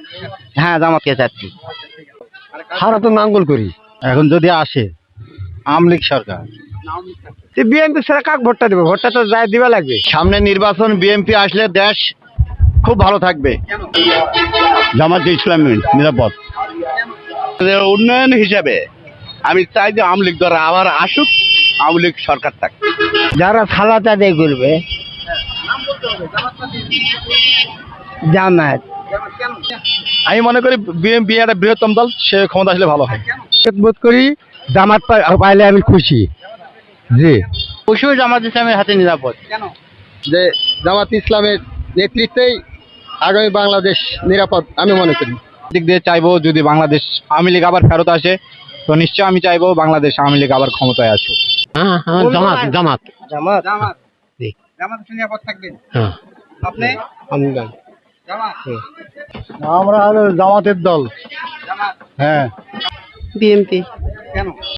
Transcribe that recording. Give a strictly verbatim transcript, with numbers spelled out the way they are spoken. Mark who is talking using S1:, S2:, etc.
S1: হ্যাঁ জামাতকে চাচ্ছি।
S2: হারা তো নাঙ্গল করি।
S3: এখন যদি আসে আমলিগ সরকার,
S2: বিএনপি ছাড়া কাক ভোটটা দেবো? ভোটটা তো যাই দিবা লাগবে।
S3: সামনে নির্বাচন, বিএনপি আসলে দেশ খুব ভালো থাকবে। জামাত ইসলামী নিরাপদ উন্নয়ন হিসাবে আমি চাই যে আওয়ামী লীগ দ্বারা আবার আসুক, আওয়ামী লীগ সরকার থাক।
S2: যারা সালাত আদায় করবে জামাত।
S3: আমি মনে করি বিএনপি একটা বৃহত্তম দল, সে ক্ষমতা আসলে ভালো হয়।
S2: বোধ করি জামাত পাইলে আমি খুশি। জি,
S1: অবশ্যই জামাত ইসলামের হাতে নিরাপদ।
S3: যে জামাত ইসলামের নেতৃত্বেই আগামী বাংলাদেশ নিরাপদ আমি মনে করি। দিক দিয়ে চাইবো যদি বাংলাদেশ আওয়ামী লীগ আবার ফেরত আসে, তো নিশ্চয় আমি চাইবো বাংলাদেশ আওয়ামী লীগ আবার ক্ষমতায় আসুক।
S2: হ্যাঁ জামাত জামাত
S1: জামাত জামাত
S2: জি।
S1: জামাত নিরাপদ থাকবেন।
S2: হ্যাঁ
S1: আপনি?
S2: আমি
S1: জামাত।
S3: আমরা হলো জামাতের দল।
S1: জামাত।
S3: হ্যাঁ।
S1: বিএনপি। কেন?